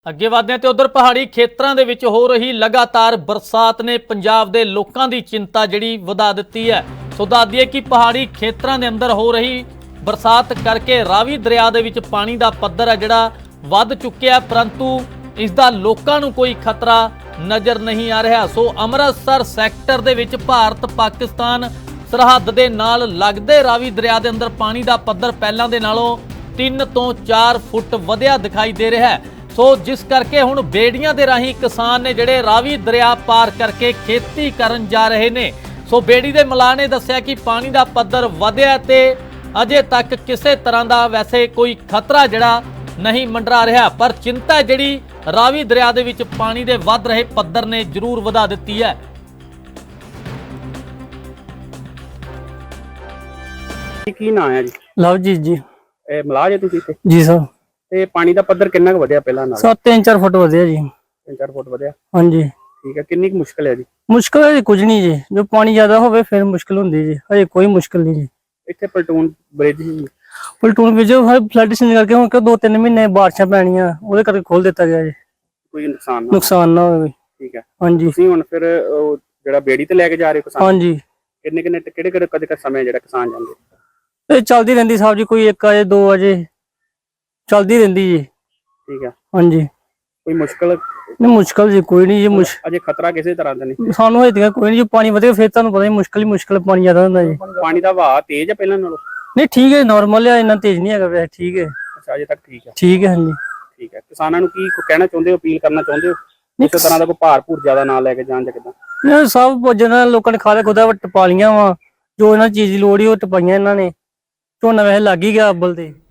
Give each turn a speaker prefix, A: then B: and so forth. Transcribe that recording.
A: ਅੱਗੇ ਵਧਦੇ ਹਾਂ ਤੇ ਉਧਰ ਪਹਾੜੀ ਖੇਤਰਾਂ ਦੇ ਵਿੱਚ ਹੋ ਰਹੀ ਲਗਾਤਾਰ ਬਰਸਾਤ ਨੇ ਪੰਜਾਬ ਦੇ ਲੋਕਾਂ ਦੀ ਚਿੰਤਾ ਜਿਹੜੀ ਵਧਾ ਦਿੱਤੀ ਹੈ। ਸੋ ਦੱਸ ਦਈਏ ਕਿ ਪਹਾੜੀ ਖੇਤਰਾਂ ਦੇ ਅੰਦਰ ਹੋ ਰਹੀ ਬਰਸਾਤ ਕਰਕੇ ਰਾਵੀ ਦਰਿਆ ਦੇ ਵਿੱਚ ਪਾਣੀ ਦਾ ਪੱਧਰ ਹੈ ਜਿਹੜਾ ਵੱਧ ਚੁੱਕਿਆ, ਪਰੰਤੂ ਇਸ ਦਾ ਲੋਕਾਂ ਨੂੰ ਕੋਈ ਖਤਰਾ ਨਜ਼ਰ ਨਹੀਂ ਆ ਰਿਹਾ। ਸੋ ਅੰਮ੍ਰਿਤਸਰ ਸੈਕਟਰ ਦੇ ਵਿੱਚ ਭਾਰਤ ਪਾਕਿਸਤਾਨ ਸਰਹੱਦ ਦੇ ਨਾਲ ਲੱਗਦੇ ਰਾਵੀ ਦਰਿਆ ਦੇ ਅੰਦਰ ਪਾਣੀ ਦਾ ਪੱਧਰ ਪਹਿਲਾਂ ਦੇ ਨਾਲੋਂ 3 ਤੋਂ 4 ਫੁੱਟ ਵਧਿਆ ਦਿਖਾਈ ਦੇ ਰਿਹਾ ਹੈ। ਸੋ ਜਿਸ ਕਰਕੇ ਹੁਣ ਬੇੜੀਆਂ ਦੇ ਰਾਹੀਂ ਕਿਸਾਨ ਨੇ ਜਿਹੜੇ ਰਾਵੀ ਦਰਿਆ ਪਾਰ ਕਰਕੇ ਖੇਤੀ ਕਰਨ ਜਾ ਰਹੇ ਨੇ। ਸੋ ਬੇੜੀ ਦੇ ਮਲਾਹ ਨੇ ਦੱਸਿਆ ਕਿ ਪਾਣੀ ਦਾ ਪੱਧਰ ਵਧਿਆ ਤੇ ਅਜੇ ਤੱਕ ਕਿਸੇ ਤਰ੍ਹਾਂ ਦਾ ਵੈਸੇ ਕੋਈ ਖਤਰਾ ਜਿਹੜਾ ਨਹੀਂ ਮੰਡਰਾ ਰਿਹਾ, ਪਰ ਚਿੰਤਾ ਜਿਹੜੀ ਰਾਵੀ ਦਰਿਆ ਦੇ ਵਿੱਚ ਪਾਣੀ ਦੇ ਵੱਧ ਰਹੇ ਪੱਧਰ ਨੇ ਜ਼ਰੂਰ ਵਧਾ ਦਿੱਤੀ ਹੈ।
B: ਕੀ ਨਾਂ ਹੈ ਜੀ?
C: ਲਵਜੀਤ ਜੀ।
B: ਇਹ ਮਲਾਹ ਜੇ ਤੁਸੀਂ ਇੱਥੇ?
C: ਜੀ ਸਰ।
B: ਤੇ ਪਾਣੀ ਦਾ ਪੱਧਰ ਕਿੰਨਾ ਕੁ ਵਧਿਆ ਪਹਿਲਾਂ ਨਾਲ?
C: 3-4 ਫੁੱਟ ਵਧਿਆ ਜੀ।
B: 3-4 ਫੁੱਟ ਵਧਿਆ।
C: ਹਾਂਜੀ
B: ਠੀਕ ਹੈ। ਕਿੰਨੀ ਕੁ ਮੁਸ਼ਕਲ ਹੈ ਜੀ?
C: ਮੁਸ਼ਕਲ ਹੈ ਕੁਝ ਨਹੀਂ ਜੀ, ਜੋ ਪਾਣੀ ਜ਼ਿਆਦਾ ਹੋਵੇ ਫਿਰ ਮੁਸ਼ਕਲ ਹੁੰਦੀ ਜੀ, ਹਜੇ ਕੋਈ ਮੁਸ਼ਕਲ ਨਹੀਂ ਜੀ।
B: ਇੱਥੇ ਪਲਟੂਨ ਬ੍ਰਿਜ ਸੀ,
C: ਪਲਟੂਨ ਵਿੱਚ ਫਲੱਡ ਸੀਜ਼ਨ ਕਰਕੇ ਹੁਣ 2-3 ਮਹੀਨੇ ਬਾਰਿਸ਼ਾਂ ਪੈਣੀਆਂ ਉਹਦੇ ਕਰਕੇ ਖੋਲ ਦਿੱਤਾ ਗਿਆ ਜੀ,
B: ਕੋਈ
C: ਨੁਕਸਾਨ ਨਾ ਹੋਵੇ।
B: ਠੀਕ ਹੈ।
C: ਹਾਂਜੀ।
B: ਤੁਸੀਂ ਹੁਣ ਫਿਰ ਉਹ ਜਿਹੜਾ ਬੇੜੀ ਤੇ ਲੈ ਕੇ ਜਾ ਰਹੇ ਹੋ ਕਿਸਾਨ?
C: ਹਾਂਜੀ।
B: ਕਿੰਨੇ ਕਿਹੜੇ ਕਦੇ ਸਮੇਂ ਜਿਹੜਾ ਕਿਸਾਨ ਜਾਂਦੇ?
C: ਇਹ ਚੱਲਦੀ ਰਹਿੰਦੀ ਸਾਹਿਬ ਜੀ, ਕੋਈ 1 ਵਜੇ 2 ਵਜੇ ਚੱਲਦੀ ਰਹਿੰਦੀ ਜੀ।
B: ਠੀਕ ਹੈ।
C: ਹਾਂਜੀ।
B: ਕੋਈ ਮੁਸ਼ਕਲ?
C: ਨਹੀਂ ਮੁਸ਼ਕਲ ਜੀ ਕੋਈ ਨਹੀਂ ਜੀ।
B: ਅਜੇ ਖਤਰਾ ਕਿਸੇ ਤਰ੍ਹਾਂ ਦਾ ਨਹੀਂ
C: ਸਾਨੂੰ ਹਜੇ ਤੱਕ ਕੋਈ ਨਹੀਂ ਜੀ। ਪਾਣੀ ਵਧੇ ਫਿਰ ਤੁਹਾਨੂੰ ਪਤਾ ਹੀ ਮੁਸ਼ਕਲ ਹੀ ਮੁਸ਼ਕਲ, ਪਾਣੀ ਜ਼ਿਆਦਾ ਹੁੰਦਾ ਜੀ।
B: ਪਾਣੀ ਦਾ ਵਹਾਅ ਤੇਜ਼ ਹੈ ਪਹਿਲਾਂ ਨਾਲੋਂ?
C: ਨਹੀਂ ਠੀਕ ਹੈ, ਨਾਰਮਲ ਹੈ, ਇੰਨਾ ਤੇਜ਼ ਨਹੀਂ ਹੈਗਾ ਵੈਸੇ। ਠੀਕ ਹੈ।
B: ਅੱਛਾ, ਅਜੇ ਤੱਕ ਠੀਕ ਹੈ।
C: ਠੀਕ ਹੈ। ਹਾਂਜੀ
B: ਠੀਕ ਹੈ। ਕਿਸਾਨਾਂ ਨੂੰ ਕੀ ਕਹਿਣਾ ਚਾਹੁੰਦੇ ਹੋ, ਅਪੀਲ ਕਰਨਾ ਚਾਹੁੰਦੇ ਹੋ? ਕਿਸੇ ਤਰ੍ਹਾਂ ਦਾ ਕੋਈ ਭਾਰ ਜ਼ਿਆਦਾ ਨਾ ਲੈ ਕੇ ਜਾਣ ਜਾਂ ਕਿੱਦਾਂ?
C: ਇਹ ਸਭ ਜਿਹਨਾਂ ਲੋਕਾਂ ਨੇ ਖਾਲੇ ਖੁਦਾ ਟਪਾ ਲੀਆਂ ਵਾ, ਜੋ ਇਹਨਾਂ ਚੀਜ਼ ਦੀ ਲੋੜ ਹੀ ਉਹ ਟਪਾਈਆਂ ਇਹਨਾਂ ਨੇ। ਝੋਨਾ ਵੈਸੇ ਲੱਗ ਹੀ ਗਿਆ ਅੱਬਲ ਤੇ।